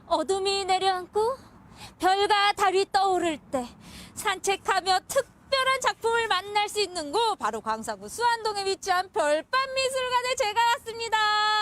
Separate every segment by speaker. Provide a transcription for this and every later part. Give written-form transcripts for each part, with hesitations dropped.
Speaker 1: 어둠이 내려앉고 별과 달이 떠오를 때 산책하며 특별한 작품을 만날 수 있는 곳, 바로 광산구 수안동에 위치한 별밤미술관에 제가 왔습니다.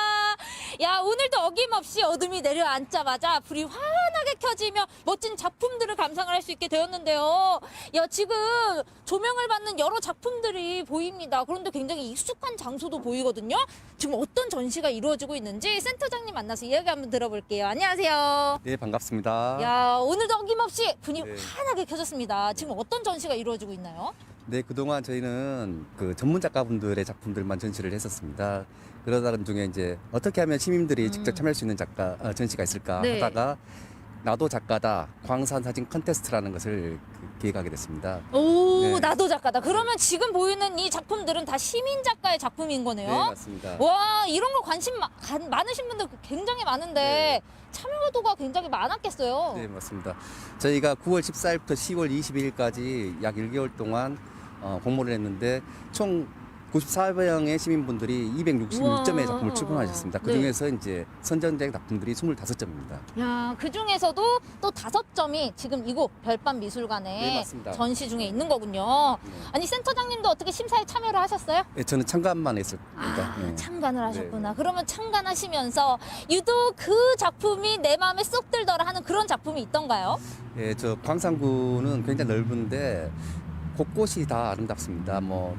Speaker 1: 야, 오늘도 어김없이 어둠이 내려앉자마자 불이 환하게 켜지며 멋진 작품들을 감상을 할 수 있게 되었는데요. 야, 지금 조명을 받는 여러 작품들이 보입니다. 그런데 굉장히 익숙한 장소도 보이거든요. 지금 어떤 전시가 이루어지고 있는지 센터장님 만나서 이야기 한번 들어볼게요. 안녕하세요.
Speaker 2: 네, 반갑습니다.
Speaker 1: 야, 오늘도 어김없이 불이
Speaker 2: 네.
Speaker 1: 환하게 켜졌습니다. 지금 어떤 전시가 이루어지고 있나요?
Speaker 2: 네, 그동안 저희는 그 전문 작가분들의 작품들만 전시를 했었습니다. 그러다가 중에 이제 어떻게 하면 시민들이 직접 참여할 수 있는 전시가 있을까
Speaker 1: 네.
Speaker 2: 하다가 나도 작가다 광산 사진 컨테스트라는 것을 기획하게 됐습니다.
Speaker 1: 오,
Speaker 2: 네.
Speaker 1: 나도 작가다. 그러면 지금 보이는 이 작품들은 다 시민 작가의 작품인 거네요.
Speaker 2: 네, 맞습니다.
Speaker 1: 와, 이런 거 관심 많으신 분들 굉장히 많은데
Speaker 2: 네.
Speaker 1: 참여도가 굉장히 많았겠어요.
Speaker 2: 네, 맞습니다. 저희가 9월 14일부터 10월 22일까지 약 1개월 동안 공모를 했는데 총 94명의 시민분들이 266점의 작품을 출품하셨습니다. 그 중에서 이제 선정된 작품들이 25점입니다.
Speaker 1: 야, 그 중에서도 또 5점이 지금 이곳 별밤 미술관에
Speaker 2: 네, 맞습니다.
Speaker 1: 전시 중에 있는 거군요.
Speaker 2: 네.
Speaker 1: 아니, 센터장님도 어떻게 심사에 참여를 하셨어요?
Speaker 2: 네, 저는 참관만 했습니다.
Speaker 1: 아,
Speaker 2: 네.
Speaker 1: 참관을 하셨구나.
Speaker 2: 네.
Speaker 1: 그러면 참관하시면서 유독 그 작품이 내 마음에 쏙 들더라 하는 그런 작품이 있던가요?
Speaker 2: 예, 저 광산구는 굉장히 넓은데 곳곳이 다 아름답습니다. 뭐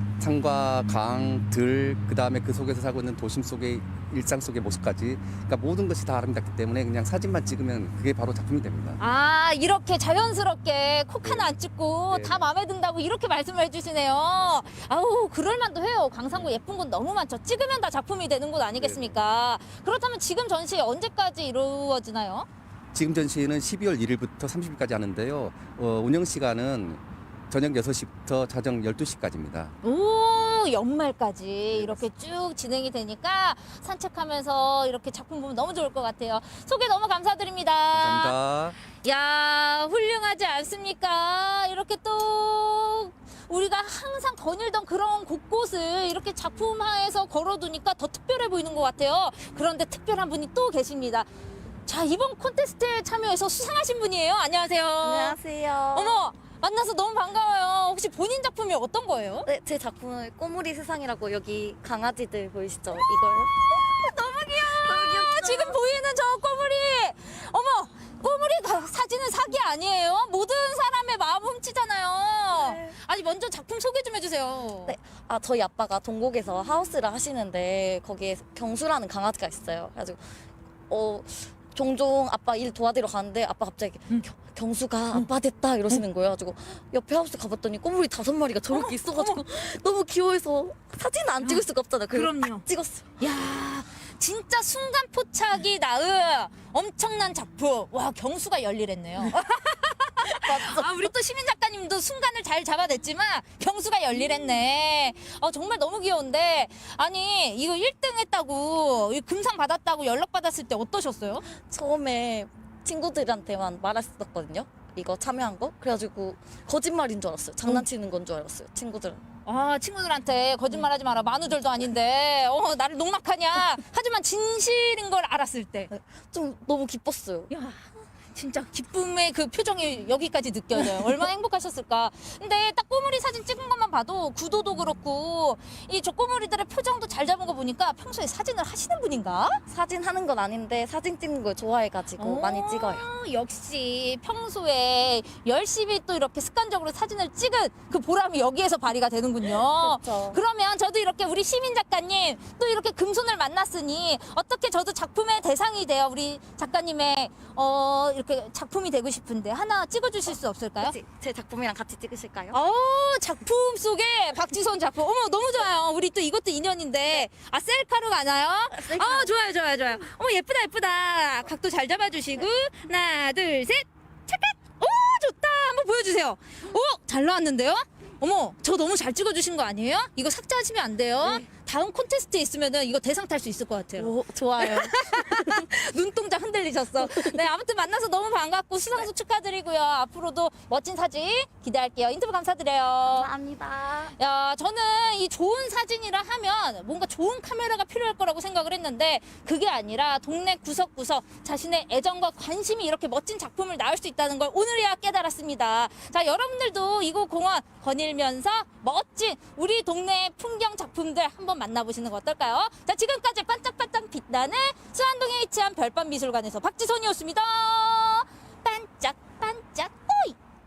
Speaker 2: 산과 강, 들, 그 다음에 그 속에서 살고 있는 도심 속의 일상 속의 모습까지, 그러니까 모든 것이 다 아름답기 때문에 그냥 사진만 찍으면 그게 바로 작품이 됩니다.
Speaker 1: 아, 이렇게 자연스럽게 콕 하나 안 찍고
Speaker 2: 네.
Speaker 1: 다 마음에 든다고 이렇게 말씀을 해주시네요. 아우, 그럴만도 해요. 광산구 예쁜 곳 너무 많죠. 찍으면 다 작품이 되는 곳 아니겠습니까? 그렇다면 지금 전시 언제까지 이루어지나요?
Speaker 2: 지금 전시는 12월 1일부터 30일까지 하는데요. 운영 시간은 저녁 6시부터 자정 12시까지입니다.
Speaker 1: 오, 연말까지
Speaker 2: 네,
Speaker 1: 이렇게 쭉 진행이 되니까 산책하면서 이렇게 작품 보면 너무 좋을 것 같아요. 소개 너무 감사드립니다.
Speaker 2: 감사합니다.
Speaker 1: 야, 훌륭하지 않습니까? 이렇게 또 우리가 항상 거닐던 그런 곳곳을 이렇게 작품화해서 걸어두니까 더 특별해 보이는 것 같아요. 그런데 특별한 분이 또 계십니다. 자, 이번 콘테스트에 참여해서 수상하신 분이에요. 안녕하세요.
Speaker 3: 안녕하세요.
Speaker 1: 어머, 만나서 너무 반가워요. 혹시 본인 작품이 어떤 거예요?
Speaker 3: 네, 제 작품은 꼬물이 세상이라고 여기 강아지들 보이시죠? 이걸.
Speaker 1: 너무 귀여워. 지금 보이는 저 꼬물이. 어머, 꼬물이 사진은 사기 아니에요? 모든 사람의 마음 훔치잖아요.
Speaker 3: 네.
Speaker 1: 아니, 먼저 작품 소개 좀 해주세요.
Speaker 3: 네, 저희 아빠가 동곡에서 하우스를 하시는데 거기에 경수라는 강아지가 있어요. 그래가지고 종종 아빠 일 도와드리러 가는데 아빠 갑자기 경수가 아빠 됐다 이러시는 거예요. 가지고 옆에 하우스 가봤더니 꼬물이 5마리가 저렇게 있어가지고 너무 귀여워서 사진 안 찍을 수가 없잖아요. 그래서
Speaker 1: 그럼요.
Speaker 3: 딱 찍었어요.
Speaker 1: 야, 진짜 순간 포착이 낳은 엄청난 작품. 와, 경수가 열일했네요. 아, 우리 또 시민 작가님도 순간을 잘 잡아냈지만 경수가 열일했네. 정말 너무 귀여운데, 아니, 이거 1등 했다고, 이 금상 받았다고 연락 받았을 때 어떠셨어요?
Speaker 3: 처음에 친구들한테만 말했었거든요. 이거 참여한 거. 그래가지고 거짓말인 줄 알았어요. 장난치는 건 줄 알았어요. 친구들은.
Speaker 1: 아, 친구들한테 거짓말하지 마라. 만우절도 아닌데, 나를 농락하냐. 하지만 진실인 걸 알았을 때.
Speaker 3: 좀 너무 기뻤어요.
Speaker 1: 야, 진짜 기쁨의 그 표정이 여기까지 느껴져요. 얼마나 행복하셨을까. 근데 딱 꼬물이 사진 찍은 것만 봐도 구도도 그렇고 이 저 꼬물이들의 표정도 잘 잡은 거 보니까 평소에 사진을 하시는 분인가?
Speaker 3: 사진 하는 건 아닌데 사진 찍는 걸 좋아해가지고 많이 찍어요.
Speaker 1: 역시 평소에 열심히 또 이렇게 습관적으로 사진을 찍은 그 보람이 여기에서 발휘가 되는군요.
Speaker 3: 그렇죠.
Speaker 1: 그러면 저도 이렇게 우리 시민 작가님 또 이렇게 금손을 만났으니 어떻게 저도 작품의 대상이 돼요. 우리 작가님의 이렇게 작품이 되고 싶은데 하나 찍어주실 수 없을까요?
Speaker 3: 혹시 제 작품이랑 같이 찍으실까요?
Speaker 1: 작품 속에 박지선 작품. 어머, 너무 좋아요. 우리 또 이것도 인연인데. 아, 셀카로 가나요?
Speaker 3: 셀카.
Speaker 1: 좋아요, 좋아요, 좋아요. 어머, 예쁘다, 예쁘다. 각도 잘 잡아주시고. 하나, 둘, 셋. 찰칵. 오, 좋다. 한번 보여주세요. 잘 나왔는데요? 어머, 저 너무 잘 찍어주신 거 아니에요? 이거 삭제하시면 안 돼요.
Speaker 3: 네.
Speaker 1: 다음 콘테스트에 있으면은 이거 대상 탈 수 있을 것 같아요.
Speaker 3: 오, 좋아요.
Speaker 1: 눈동자 흔들리게. 헷갈리셨어. 네, 아무튼 만나서 너무 반갑고 수상소 축하드리고요. 앞으로도 멋진 사진 기대할게요. 인터뷰 감사드려요.
Speaker 3: 감사합니다.
Speaker 1: 야, 저는 이 좋은 사진이라 하면 뭔가 좋은 카메라가 필요할 거라고 생각을 했는데 그게 아니라 동네 구석구석 자신의 애정과 관심이 이렇게 멋진 작품을 낳을 수 있다는 걸 오늘이야 깨달았습니다. 자, 여러분들도 이곳 공원 거닐면서 멋진 우리 동네 풍경 작품들 한번 만나보시는 거 어떨까요? 자, 지금까지 반짝반짝 빛나는 수안동에 위치한 별밤미술관에서 박지선이었습니다. 반짝